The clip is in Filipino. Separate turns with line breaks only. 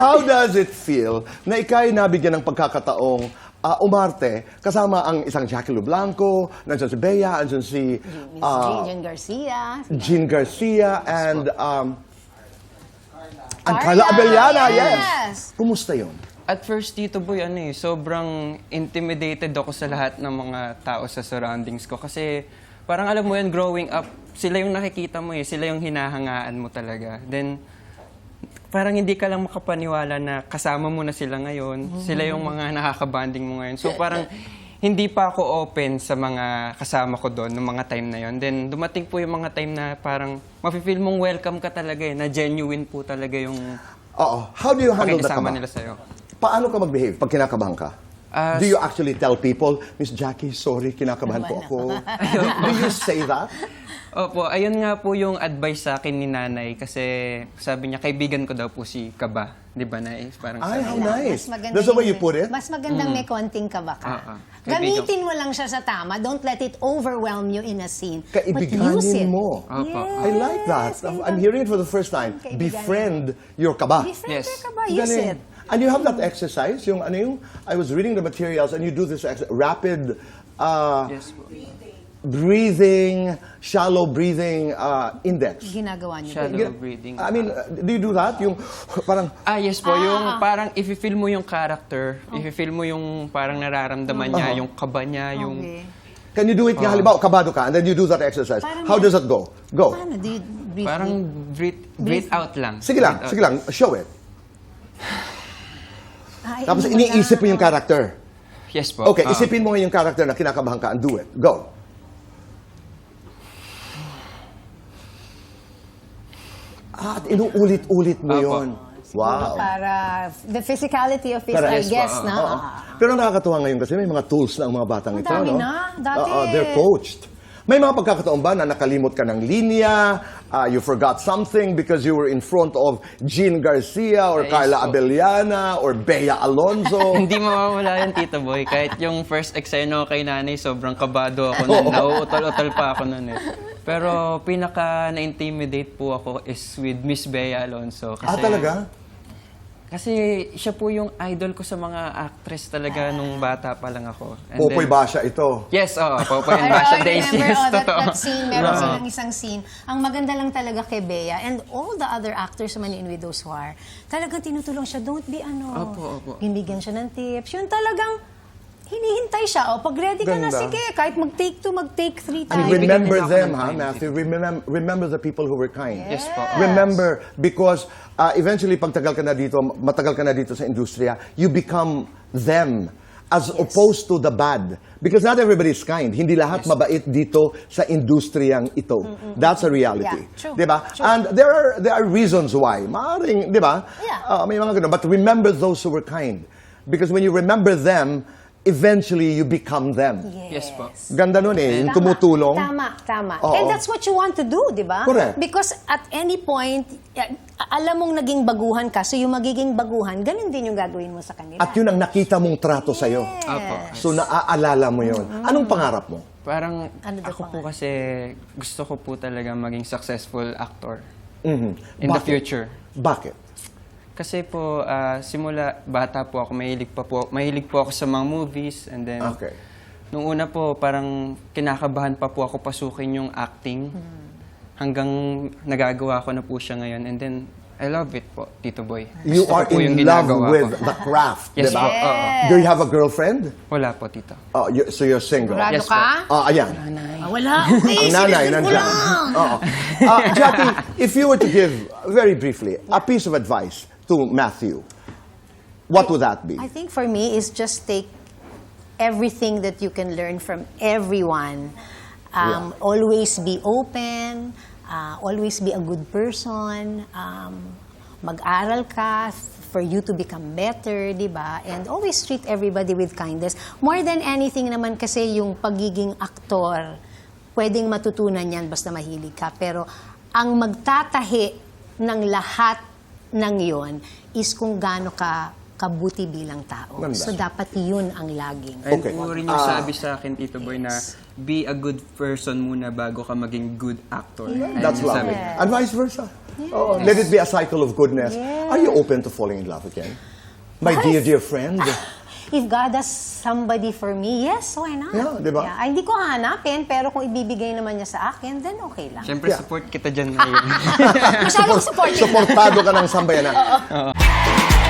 How does it feel na ika'y nabigyan ng pagkakataong umarte kasama ang isang Jackie Lu Blanco, nandiyan si Bea, nandiyan si
Jean Garcia.
Jean Garcia, and Carla Abellana, yes. Kumusta yun?
At first, Tito Boy, sobrang intimidated ako sa lahat ng mga tao sa surroundings ko. Kasi parang alam mo yan, growing up, sila yung nakikita mo sila yung hinahangaan mo talaga. Then, parang hindi ka lang makapaniwala na kasama mo na sila ngayon. Sila yung mga nakakabanding mo ngayon. So parang hindi pa ako open sa mga kasama ko doon noong mga time na yon. Then dumating po yung mga time na parang mafe-feel mong welcome ka talaga na genuine po talaga yung
How do you handle the kaba?
nila sa'yo.
Paano ka mag-behave pag kinakabahan ka? Do you actually tell people, Miss Jackie, sorry, kinakabahan po ako? Do you say that?
Opo, ayun nga po yung advice sa akin ni nanay kasi sabi niya, kaibigan ko daw po si Kaba. Di ba, Nay? Parang
Ay, how
sabi niya.
nice. That's the way you put it?
Mas magandang may konting kaba ka.
Kaibigan.
Gamitin mo lang siya sa tama. Don't let it overwhelm you in a scene. But use
Kaibiganin
it.
mo.
Opo.
I like that. I'm hearing it for the first time.
Kaibiganin.
Befriend your kaba.
Befriend
Yes.
your kaba. Use
Galing.
it.
And you have that exercise, I was reading the materials, and you do this rapid
Yes po.
breathing, shallow breathing index.
Ginagawa niyo.
Shallow breathing.
I mean, do you do that? Yung parang,
Yes po, yung parang if-feel mo yung character, if-feel mo yung parang nararamdaman niya, yung kaba niya, yung...
Okay.
can you do it nga, halimbawa, kabado ka, and then you do that exercise.
Parang
How does that go? Go.
Paano? Do you breathe
Parang
deep?
breathe out lang.
Sige lang,
Breathe out.
sige lang, show it.
Ay,
Tapos
ano
iniisip mo
na?
yung character.
Yes po.
Okay, isipin mo yung character na kinakabahan ka and do it. Go. At inuulit-ulit mo
Apo.
yun. Wow.
Para the physicality of it,
Para-
I
Yes,
guess,
po,
na.
Oo. Pero nakakatuwa ngayon kasi may mga tools na ang mga batang
Ang
ito.
dami
no?
na. Dati.
They're coached. May mga pagkakataon ba na nakalimot ka ng linya, you forgot something because you were in front of Jean Garcia or
Yes,
Carla
po.
Abellana or Bea Alonzo?
Hindi mawawala yan, Tito Boy. Kahit yung first eksena ko kay nanay, sobrang kabado ako nun. Nauutol-utol pa ako nun Pero pinaka na-intimidate po ako is with Miss Bea Alonzo. Kasi,
Talaga?
Kasi siya po yung idol ko sa mga actress talaga nung bata pa lang ako. And
Popoy
then-
Basha ito.
Yes, Popoy and
Pero
Basha
I
Days.
remember
Yes, totoo.
that scene, meron silang isang scene. Ang maganda lang talaga kay Bea and all the other actors naman in With Those Who Are, talagang tinutulong siya, don't be
Opo.
Binibigyan siya ng tips. Yun talagang hinihintay siya. Pag ready ka na,
Ganda.
sige, kahit mag-take 2, mag-take 3
And
tayo.
remember
Bibigyan nila ako
them,
ng
ha,
time.
Matthew? Remember the people who were kind.
Yes po.
Remember, because eventually, pag matagal ka na dito sa industriya, you become them as opposed to the bad. Because not everybody is kind. Hindi lahat mabait dito sa industriyang ito. That's a reality.
Yeah, true.
Diba?
True.
And there are reasons why. Maaring, diba?
Yeah.
May mga ganun. But remember those who were kind. Because when you remember them, eventually you become them.
Yes po.
Ganda nun yung tumutulong.
Tama.
Oo.
And that's what you want to do, di ba?
Correct.
Because at any point, alam mong naging baguhan ka, so yung magiging baguhan, ganun din yung gagawin mo sa kanila.
At yun ang nakita mong trato sa'yo.
Opo.
So naaalala mo yun. Anong pangarap mo?
Parang
Ano daw
ako po
pangalan?
kasi gusto ko po talaga maging successful actor
Mhm.
in the
Bakit?
future.
Bakit?
Kasi po, simula bata po ako, mahilig po ako sa mga movies. And then,
Okay.
nung una po, parang kinakabahan pa po ako pasukin yung acting. Hanggang nagagawa ko na po siya ngayon. And then, I love it po, Tito Boy.
You
Gusto ko
are
po yung
in love
ginagawa
with
ko.
the craft,
Yes
diba?
po, oo.
Do you have a girlfriend?
Wala po, Tito.
So you're single?
Sigurado
Yes,
ka?
Ayan.
Wala. Okay,
Ang nanay,
sinisin ko
nandyan.
lang.
Oo. Jackie, if you were to give, very briefly, a piece of advice to Matthew, what would that be?
I think for me is just take everything that you can learn from everyone. Always be open. Always be a good person. Mag-aral ka for you to become better, di ba? And always treat everybody with kindness. More than anything naman kasi yung pagiging aktor, pwedeng matutunan yan basta mahilig ka. Pero ang magtatahi ng lahat ng yon is kung gaano ka kabuti bilang tao.
Ganda.
So dapat yun ang laging.
Ayun
Okay.
po rin yung sabi sa akin, Tito Boy, na be a good person muna bago ka maging good actor. Ayun
That's
yung
lovely.
sabi.
And vice versa. Oh, let it be a cycle of goodness.
Yes.
Are you open to falling in love again? My
Yes.
dear friend.
If God has somebody for me, yes, why not?
Yeah, di ba?
Ay, hindi ko hahanapin, pero kung ibibigay naman niya sa akin, then okay lang.
Siyempre,
Yeah.
support kita dyan ngayon.
Masyadong supportive na.
Suportado ka ng sambayanan.